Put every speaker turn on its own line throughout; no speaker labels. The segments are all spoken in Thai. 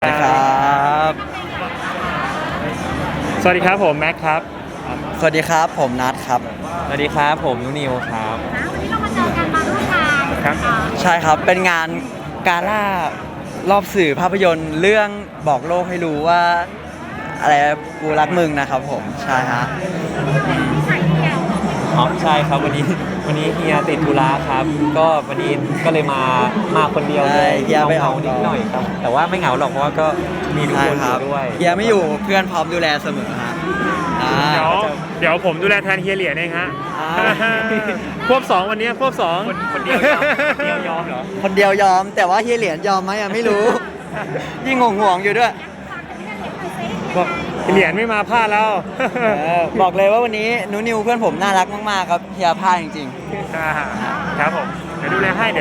ครับ
สวัสดีครับผมแม็กครับ
สวัสดีครับผมนัทครับ
สวัสดีครับผมนุนิวครับ
วันนี้เรามาเจอกันมาร่วมงาน
ครับ
ใช่ครับเป็นงานกาล่ารอบสื่อภาพยนตร์เรื่องบอกโลกให้รู้ว่าอะไรกูรักมึงนะครับผมใช่ฮะ
ที่ไหนเนี่ย
อ๋อใช่ครับวันนี้เฮียติดธุระครับ ก็วันนี้ก็เลยมาคนเดียวเล
ใช่
ย
เฮียไปออก
นิดหน่อยครับ แต่ว่าไม่เหงาหรอกเพราะว่าก็มีทุก
ใช่
คน
ค
อ
รับ
ยู่ด้วย
เฮียไม่อยู่เพื่อนพร้อมดูแลเสมอฮะอ่า
เดี๋ยวผมดูแลแทนเฮียเหรียญเองฮะ
อ่า
ควบสองวันนี้ควบสอง
คนเดียวยอมเหรอ
คนเดียวยอมแต่ว่าเฮียเหรียญยอมไหมยังไม่รู้ ยิ่งห่วงๆอยู่ด้วย
บอกเหรียญไม่มาพลาดแล้ว
บอกเลยว่าวันนี้นูนิวเพื่อนผมน่ารักมากๆครับเฮียพลาดจริง
ครับผมเดี๋ยวดูแลให้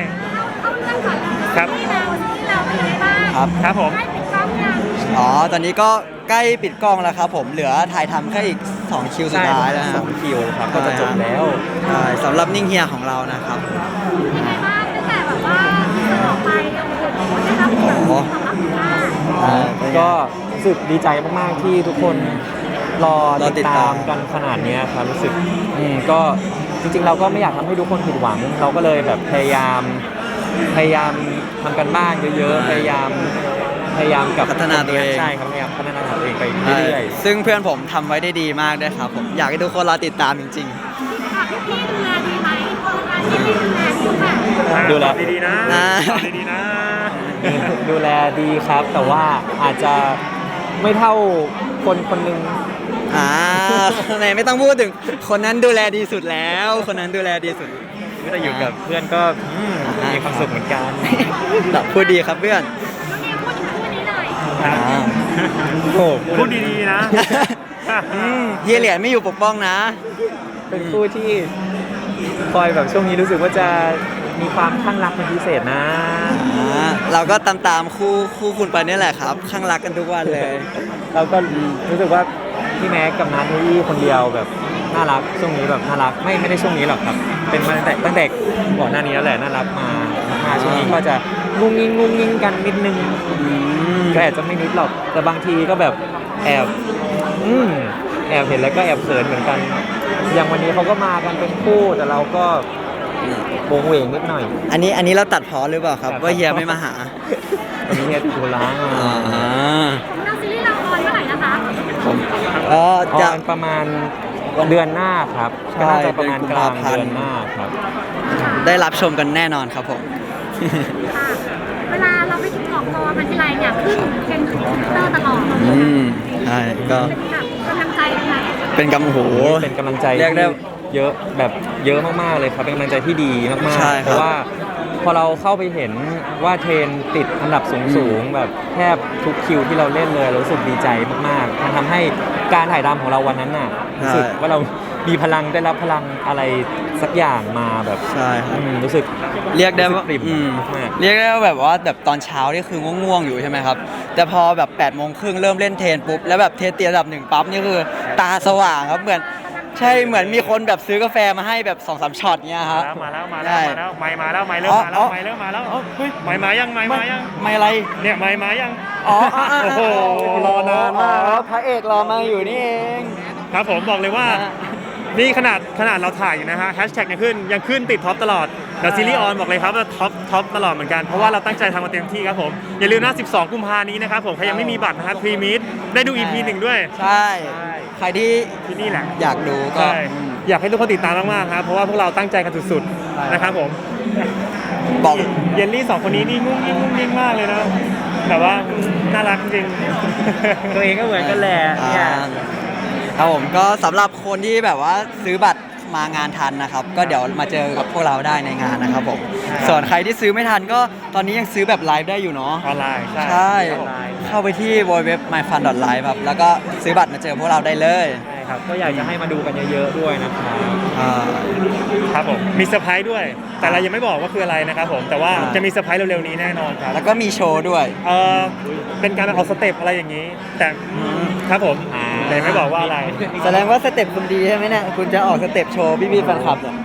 ครับ
ที่เราเป็นยังไงบ้าง
ๆครับ
ครับผม
ได้ปิดกล้องยัง
อ๋อตอนนี้ก็ใกล้ปิดกล้องแล้วครับผมเหลือถ่ายทำแค่อีก2คิวสุดท้ายแล้วนะค
ส
รั
อบ งคิวครับก็จะจบแล้ว
ใช่สำหรับนิ่งเฮียของเรานะครับ
ยังไงบ้างตั้งแต่แบบว่าออกไปโอ้โหได้รับแบบตอบรับดีมาก
ก็รู้สึกดีใจมากๆที่ทุกคนรอ
รอติ
ติ
ด
ด
ตา
ตาม มกันขนาดเนี้ยครับรู้สึกก็จริงๆเราก็ไม่อยากทำให้ทุกคนผิดหวัง เราก็เลยแบบพยายามทำกันบ้านเยอะๆพยายามกับ
พัฒนาตัวเอง
ใช่ครับพยายามพัฒนาตัวเองไปเรื่อย
ซึ่งเพื่อนผมทำไว้ได้ดีมากด้วยครับผมอยากให้ทุกคนรอติดตามจริง
พี่ดูแลดีไหมพี่ดูแลดีไหม
ดูแล
ตอบดีๆนะ
นะ
ตอบดีๆนะ
ๆ ดูแลดีครับ แต่ว่าอาจจะไม่เท่าคนหนึ่ง
ๆไหนไม่ต้องพูดถึงคนนั้นดูแลดีสุดแล้ว คนนั้นดูแลดีสุด
แต่อยู่กับเพื่อนก็มีความสุขเหมือนกัน
พูดดีครับเพื่อน
น้องเนยพูดถึงคู่นี้หน่อย
ครับ
โอ้
พูดดีๆนะ
เฮียเหรียญไม่อยู่ปกป้องนะ
เป็นคู่ที่คอยแบบช่วงนี้รู้สึกว่าจะมีความข้างรักเป็นพิเศษนะ
เราก็ตามคู่คุณไปนี่แหละครับข้างรักกันทุกวันเลย
เราก็รู้สึกว่าพี่แม็กกับนัทนี่คนเดียวแบบน่ารักช่วงนี้แบบน่ารักไม่ได้ช่วงนี้หรอกครับ เป็นมาตั้งแต่ก่อนหน้านี้แล้วแหละน่ารักมาช่วงนี้ก็จะงุ้งงิ้งกันนิดนึงก็อาจจะไม่นิดหรอกแต่บางทีก็แบบแอบเห็นแล้วก็แอบเขินเหมือนกัน อย่างวันนี้เขาก็มากันเป็นคู่แต่เราก็โวงเวงนิดหน่อย
อันนี้เราตัดพอหรือเปล่าครับ ว่าเฮียไม่มาหา
วันนี้เฮียติดธุระ
อ่า
เราซีรีส์เราออนเมื่อไหร่นะคะ
ก็
อ
จะ
อนประมาณเดือนหน้าครับ
ใช่
ก็น่าจะประมาณกลาง
เป็นกุมภาพันธ์
เดือนหน้าครับ
ได้รับชมกันแน่นอนครับผม
ค่ะเวลาเราไปออกตัวมันทีไรเนี่ยขึ้นเทรนด์ทวิตเตอร์ตลอด
ใช่ก็
เป็นแบบกำลังใจไหม
เป็นกำโห
เป็นกำลังใจ
เรียกได้
ที่เยอะแบบเยอะมากๆเลยครับเป็นกำลังใจที่ดีมาก
ใช่
ๆ
ครับ
เพราะว่าพอเราเข้าไปเห็นว่าเทรนติดอันดับสูงๆแบบแทบทุกคิวที่เราเล่นเลยเรารู้สึกดีใจมากๆมันทำให้การถ่ายทำของเราวันนั้นน่ะรู้สึกว่าเรามีพลังได้รับพลังอะไรสักอย่างมาแบบ
ใช่ครับ
รู้สึก
เรียกได้ว่า
ปริ่มมาก
เรียกได้ว่าแบบว่าแบบตอนเช้านี่คือง่วงๆอยู่ใช่ไหมครับ แต่พอแบบ8 โมงครึ่งเริ่มเล่นเทรนปุ๊บแล้วแบบเทรนเตียระดับ1ปั๊บนี่คือตาสว่างครับเหมือนมีคนแบบซื้อกาแฟมาให้แบบ2-3ช็อตเนี้ยครับ
มาแล้ว
ใช่
ไม่มาแล้วไม่เริ่มมาแล้วไม่เริ่มมาแล้วเฮ้ยไม่มายัง
ไม่อะไร
เนี่ยไม่มายัง
อ๋อ
โอ้โหรอนานมาก
พระเอกรอมาอยู่นี่เอง
ครับผมบอกเลยว่า นี่ขนาดเราถ่ายอยู่นะฮะแฮชแท็กยังขึ้นติดท็อปตลอดแต่ซีรีส์ออนบอกเลยครับว่าท็อปตลอดเหมือนกันเพราะว่าเราตั้งใจทำมาเต็มที่ครับผมอย่าลืมนะ12 กุมภานี้นะครับผมใครยังไม่มีบัตรนะฮะพรีมิดได้ดู EP 1ด้วย
ใช่ ใครที่
ที่นี่แหละ
อยากดูก็
ใช่อยากให้ทุกคนติดตามมากๆครับเพราะว่าพวกเราตั้งใจกันสุด
ใช่
ๆนะครับผม
บอก
เยลลี่2 คนนี้นี่งุ้งงิ้งมากเลยนะแต่ว่าน่ารักจริง
ตัวเองก็เหมือนกันแหละเนี่ย
ครับผมก็สำหรับคนที่แบบว่าซื้อบัตรมางานทันนะครับ ก็เดี๋ยวมาเจอกับพวกเราได้ในงานนะครับผมส่วนใครที่ซื้อไม่ทันก็ตอนนี้ยังซื้อแบบไลฟ์ได้อยู่เนาะ
ออนไลน์
ใช่ เข้าไปที่ www.myfun.live ครับแล้วก็ซื้อบัตรมาเจอพวกเราได้เลย
ใช่ครับก็อยากจะให้มาดูกันเยอะๆด้วยนะครับ
อ่า
ครับผมมีเซอร์ไพรส์ด้วย แต่เรายังไม่บอกว่าคืออะไรนะครับผมแต่ว่า
อ่า
จะมีเซอร์ไพรส์เร็วๆนี้แน่นอนครับ
แล้วก็มีโชว์ด้วย
เป็นการออกสเต็ปอะไรอย่างนี้ แต่ครับผมแต่ยังไม่บอกว่าอะไร
แสดงว่าสเต็ปคุณดีใช่ไหมเนี่ยคุณจะออกสเต็ปโชว์พี่ๆแฟนคลับเนี่ย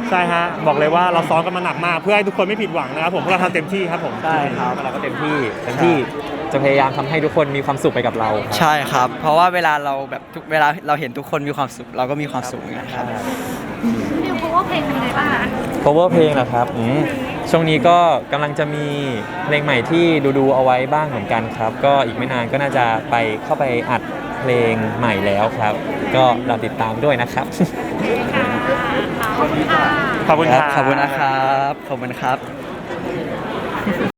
ใช่ฮะบอกเลยว่าเราซ้อมกันมาหนักมากเพื่อให้ทุกคนไม่ผิดหวังนะครับผมพวกเราทำเต็มที่ครับผม
ใช่ครับ
เราก็เต็มที่จะพยายามทำให้ทุกคนมีความสุขไปกับเราครับ
ใช่ครับ เพราะว่าเวลาเราแบบเวลาเราเห็นทุกคนมีความสุขเราก็มีความสุขเหมือนกันครับ
นิวเพราะว่าเพลงเป็นไงบ้างคะ
cover เพลงเหรอครับช่วงนี้ก็กำลังจะมีเพลงใหม่ที่ดูเอาไว้บ้างเหมือนกันครับ ก็อีกไม่นานก็น่าจะเข้าไปอัดเพลงใหม่แล้วครับ ก็รอติดตามด้วยนะครับ
ขอบคุณค่ะ
ขอบคุณครับ
ขอบคุณนะครับ ขอบคุณครับ